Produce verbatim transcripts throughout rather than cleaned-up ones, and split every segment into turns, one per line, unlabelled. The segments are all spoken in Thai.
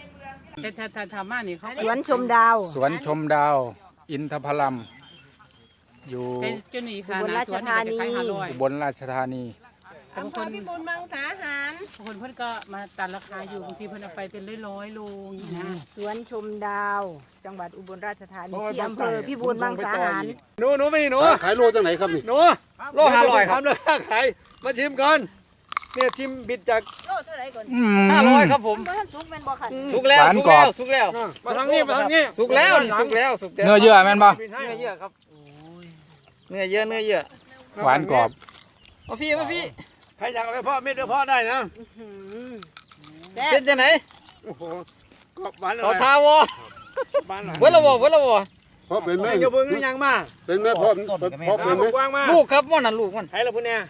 แต่ถ้าถ้าทำมานี่เขา
สวนชมดาว
สวนชมดาวอินทผลัมอยู่
เป็นเจ้าหนี้ค่ะ
อุบลราชธานี
อุบลราชธานี
บางคนพี่บุญบางสาหารบางคนเพื่อนก็มาตัดราคาอยู่บางทีเพื่อนเอาไปเป็นร้อยๆโลอย่างนี้นะ
สวนชมดาว จังหวัดอุบลราชธานีที่อำเภอพิบูลมังสาหาร
หนูหนูไม่หนู
ขายโลจังไหนครับนี่
หนูโลห้าร้อยครับเลยขายมาชิมก่อนเนี่ยชิมบิดจาก
โลเท่าไหร่ก่อน
อืม
ห้าร้อยครับผม
มันสุกแม่นบ่ค่ะ
สุกแล้ว
หวาน
สุก
กรอ
แล้
บ
วสุกแล้วมาทางนี้มาทางนี้
สุกแล้วนี่สุกแล้วสุกแล้ว
เนื้อเยื่อแม่นบ่
เนื้อเยอะครับเนื้อเยอะเนื้อเยอะ
หวานกรอบ
มาพี่มาพี่
ใครอยากเอาไปเพาะเม็ดเอาเพาะได้นะ
เป็นจังไหน
โอ้โหกรอบหวานเล
ต่อย ทาวอ
หวานหลาย
เวลาวอเวลาวอ
เพราะเป็นแม่
อย่าเพิ่งยังมา
เป็นแม่พ่อเพราะเป็นแม่
กว้างมาก
ลูกครับม่อนนั่นลูกมัน
ให้เราพูดเนี่ย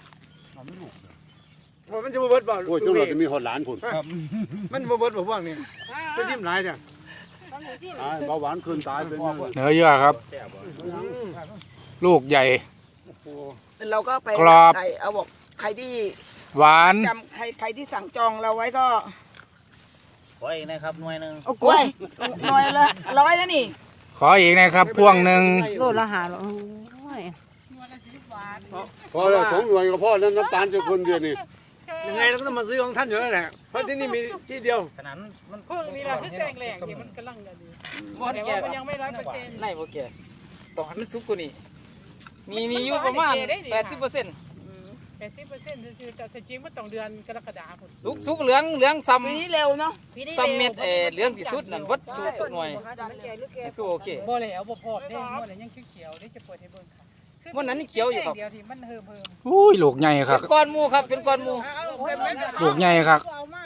มันจะมาเบิดบ่
โอ้ยจังหวัดจะมีหอดหลานผุน
มันมาเบิดบ่พวกนี้จะชิมหลายจ้ะ
ตายเบาหวานขึ้นตายเป็น
เนื้อเยื่อครับ ลูกใหญ่
เราก็ไป
กรอบ
ใครเอาบอกใครที่
หวาน
จำใครใครที่สั่งจองเราไว้ก็
ขออีกนะครับหน่วยหนึ่ง
โอ้กล้วยหน่อยละร้อยแล้วนี่
ขออีกนะครับพ่วงหนึ่ง
โลละหาโลโอ้ย
พอแล้วสองหน่วยก็พอแล้วน้ำตาลจะคนเดียวนี่
ยังไงเราก็ต้องมาซื้อของท่านอยู่แล้วแหละเพราะที่นี่มีที่เดียว
ขนาดมัน
พวกนี้เราคือแซงแหลกที่มันกำลังจะดี
บ่
แต่
แก่
ว่ามันยังไม่ร้อยเปอร์เซ็นต์
ไล่บ่แก่ต้องให้มันสุกกว่านี้มีมีอยู่ประมาณแปดสิบเปอร์เซ็นต์
แปดสิบเปอร์เซ็นต์คือแต่จริงมันต้องเดือนกรกฎาคม
สุกสุกเหลืองเหลืองซ้
ปีนี้เร็วเนาะ
ำซ้ำเม็ดเออเหลืองที่สุดนั่นวัดสุกหน่วยนี่คือโอเค
บ่แล้วบ่พอได้หมดแล้วยังเขียวๆได้จะเปิดให้เบิ่งค่ะ
วันนั้นนี่เขียวอยู่ครับ
เดียวที่มันเฮิมเฮิม
อุ้ยลูกใหญ่ค
เป็
รับ
นก้อนหมูครับเป็นก้อนหมู
ลูกใหญ่ครับ
เอามา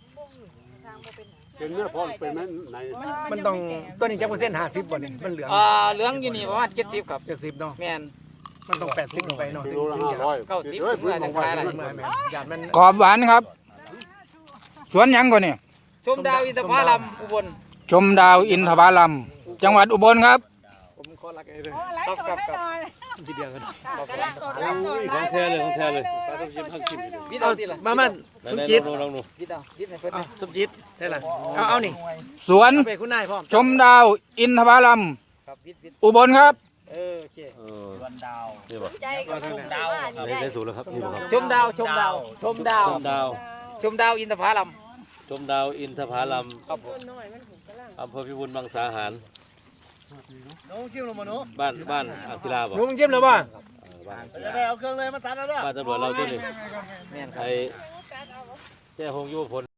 เป็นแม่พ่อเป็นแม่ไหน
มันต้องตัวนี้จะเปอร์เซ็นต์ห้าสิบบ่เนี่ยมันเหลือง
อ่าเหลืองอยู่นี่ประมาณเจ็ดสิบครับ
เจ็ดสิบเนาะ
แม่น
มันต้องแปดสิบลงไปเนาะ
กิโลละห้าร้อย
เก้าสิบ
เฮ้ย
เพื่อจะขายอะไร
แม่แม่หยาดมัน
กรอบหวานครับ สวนหยังก่อนเนี่ย
ชมดาวอินทผลัมอุบล
ชมดาวอินทผลัมจังหวัดอุบลครับ
ผมขอรักไอ้เลย
ครับครับครับ
ทีเดียวกัน
ของแท้เลยของแท้เลยปลาต้มยำข้าวจิ้ม
พี่เอาทีละ
มามันสมจิต
ลองลองดู
พี่เอาพี่ให้เพิ่น
อ่ะสมจิตได้ละเอาเอานี่
สวน
ไปคุณนายพร้อม
ชมดาวอินทผลัม
ครับพี่พี่
อุบลครับ
เออโอเค
เออ
ชมดาว
นี่บ่
ใจก็ชมดาว
อันนี้ได้ถูกแล้วครับนี่บ่ครับ
ชมดาวชมดาวชมดาว
ชมดาว
ชมดาวอินทผลัม
ชมดาวอินทผลัม
ครับผม
อำเภอพิบูลมังสาหาร
น้องชิมลงมาหนู
บ้านบ้านอักศิลาบ่
หนูมึงจิ้มเลยป่ะ
เออบ้าน
เอาเครื่องเลยมาตัดแล้วด้วย
บ้านตำรวจเราตัวนี้
แม่นครับ
ไอ้แช่หงยุวพล